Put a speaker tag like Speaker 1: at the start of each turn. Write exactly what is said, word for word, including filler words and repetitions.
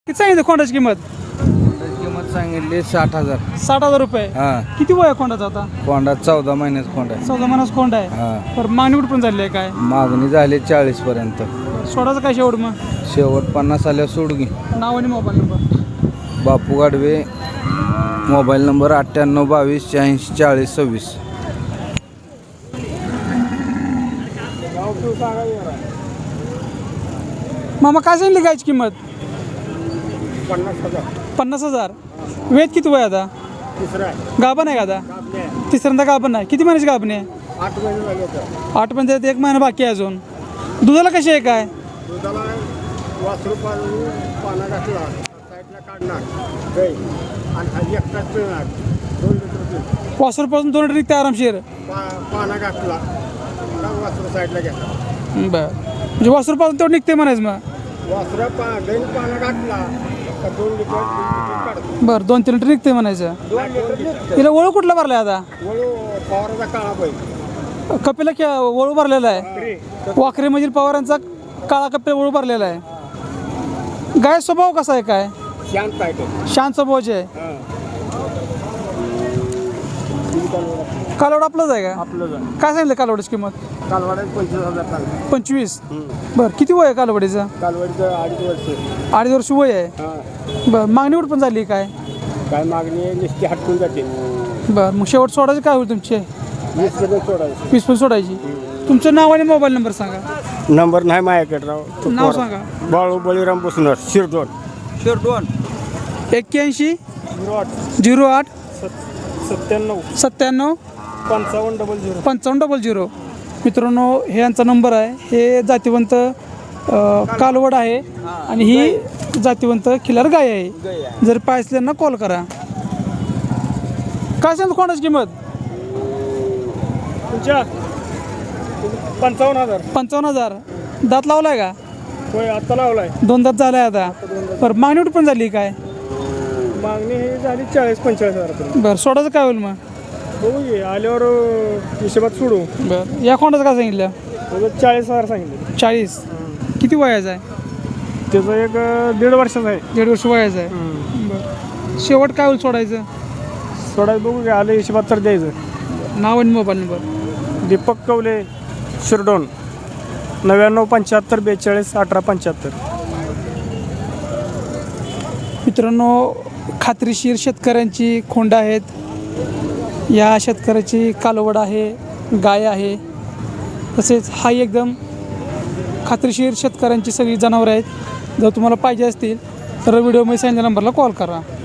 Speaker 1: किती सांगितलं खोंडाची किंमत?
Speaker 2: किंमत सांगितली साठ हजार.
Speaker 1: साठ हजार रुपये.
Speaker 2: हा.
Speaker 1: किती वय आहे खोंडाचा आता?
Speaker 2: कोंडा चौदा महिन्याचा कोंडा आहे.
Speaker 1: चौदा महिन्याचा खोंड आहे.
Speaker 2: हा.
Speaker 1: तर मागणी कुठपर्यंत झाली आहे काय?
Speaker 2: मागणी झाली चाळीस पर्यंत.
Speaker 1: सोडाचं काय शेवट मग?
Speaker 2: शेवट पन्नास आल्यावर सोड घे.
Speaker 1: नाव आणि mobile number?
Speaker 2: Bapu Gadve, mobile number अठ्ठ्याण्णव बावीस शहाऐंशी चाळीस सव्वीस.
Speaker 1: मामा काय सांगितली गायची किंमत?
Speaker 3: पन्नास हजार.
Speaker 1: पन्नास हजार. वेद किती वय आता?
Speaker 3: तिसरा आहे.
Speaker 1: गाभण आहे का आता?
Speaker 3: आपले
Speaker 1: तिसऱ्यांदा गाभण आहे. किती महिन्याची गाभण आहे?
Speaker 3: आठ महिने झाले होते.
Speaker 1: आठ महिन्यात एक महिना बाकी आहे अजून. दुधाला कशी आहे काय?
Speaker 3: दुधाला वासरू पाणी पाना घातला साईडला काढणार गाई आणि खाली एकटाच पिळणार दोन लिटर दूध.
Speaker 1: वासरूपासून दोन लिटर निघते आरामशीर.
Speaker 3: पा पाना घातला का वासरू साईडला घेतला.
Speaker 1: बरं, म्हणजे वासरूपासून तेवढं निघते म्हणायचं मग.
Speaker 3: वासरा पा गाईन पाना घातला का दोन लिटर तीन लिटर काढतो.
Speaker 1: बरं, दोन तीन लिटर निघते म्हणायचं.
Speaker 3: दोन लिटर निघतं.
Speaker 1: तिला वळू कुठला भरलाय आता?
Speaker 3: वळू पवाराचा काळा पाहिजे.
Speaker 1: कपिला क्या वळू भरलेला आहे. वाखरेमधील पवारांचा काळा कपिला वळू भरलेला आहे. गाय स्वभाव कसा आहे काय?
Speaker 3: शांत आहे तो.
Speaker 1: शांत स्वभावाचे आहे.
Speaker 3: हां.
Speaker 1: कालवड आपलंच आहे का?
Speaker 3: आपलं जा
Speaker 1: काय सांगितलं कालवडीची किंमत?
Speaker 3: कालवाड्यात पंचवीस हजार चालू.
Speaker 1: पंचवीस. बरं, किती वय आहे कालवडीचं?
Speaker 3: कालवाडीचं अडीच वर्ष.
Speaker 1: अडीच वर्ष वय आहे.
Speaker 3: हां.
Speaker 1: बरं, मागणी कुठं पण झाली काय?
Speaker 3: काय मागणी आहे नुसती हटकून जाते.
Speaker 1: बरं, मग शेवट सोडायचं काय होईल तुमचे?
Speaker 3: वीस पर्यंत सोडायचं.
Speaker 1: वीस पण सोडायची. तुमचं नाव आणि मोबाईल नंबर सांगा.
Speaker 3: नंबर नाही माझ्याकडे राव.
Speaker 1: नाव सांगा.
Speaker 3: बाळू बळीराम बुसनर शिरडोन.
Speaker 2: शिरडोन.
Speaker 1: एक्क्याऐंशी
Speaker 3: झिरो आठ
Speaker 1: झिरो आठ
Speaker 3: सत्त्याण्णव
Speaker 1: सत्त्याण्णव
Speaker 3: पंचावन्न डबल झिरो.
Speaker 1: पंचावन्न डबल झिरो. मित्रांनो, हे यांचा नंबर आहे. हे जातीवंत अ, कालवड आहे आणि ही जातीवंत खिलार गाय आहे. जर पाहिजे त्यांना कॉल करा. काय सांगतो कोणाची किंमत?
Speaker 3: तुमच्या पंचावन्न हजार.
Speaker 1: पंचावन्न हजार. दात लावलाय का?
Speaker 3: होय आत्ता लावलाय.
Speaker 1: दोन दात झालाय आता. बरं, मागणी कुठं पण झाली काय?
Speaker 3: मागणी ही झाली चाळीस पंचेचाळीस हजारापर्यंत.
Speaker 1: बरं, सोडायचं काय होईल मग?
Speaker 3: बघू घे आल्यावर हिशोबात सोडू.
Speaker 1: बरं, या कोणाचं काय सांगितलं?
Speaker 3: त्याचं चाळीस हजार सांगितले.
Speaker 1: चाळीस. किती वयाचं आहे?
Speaker 3: त्याचं एक दीड वर्षाचं आहे.
Speaker 1: दीड वर्ष वयाचं आहे. बरं, शेवट काय होईल सोडायचं?
Speaker 3: सोडायचं बघू घे आलं हिशोबात तर द्यायचं.
Speaker 1: नाव आणि मोबाईल नंबर?
Speaker 3: दीपक कवले शिरडोन नव्याण्णव पंच्याहत्तर बेचाळीस अठरा पंच्याहत्तर.
Speaker 1: मित्रांनो, खात्रीशीर शेतकऱ्यांची खोंड आहेत. या शेतकऱ्याची कालवड आहे, गाय आहे. तसेच हा एकदम खात्रीशीर शेतकऱ्यांची सगळी जनावरं आहेत. जर तुम्हाला पाहिजे असतील तर व्हिडिओमध्ये सांगितलेल्या नंबरला कॉल करा.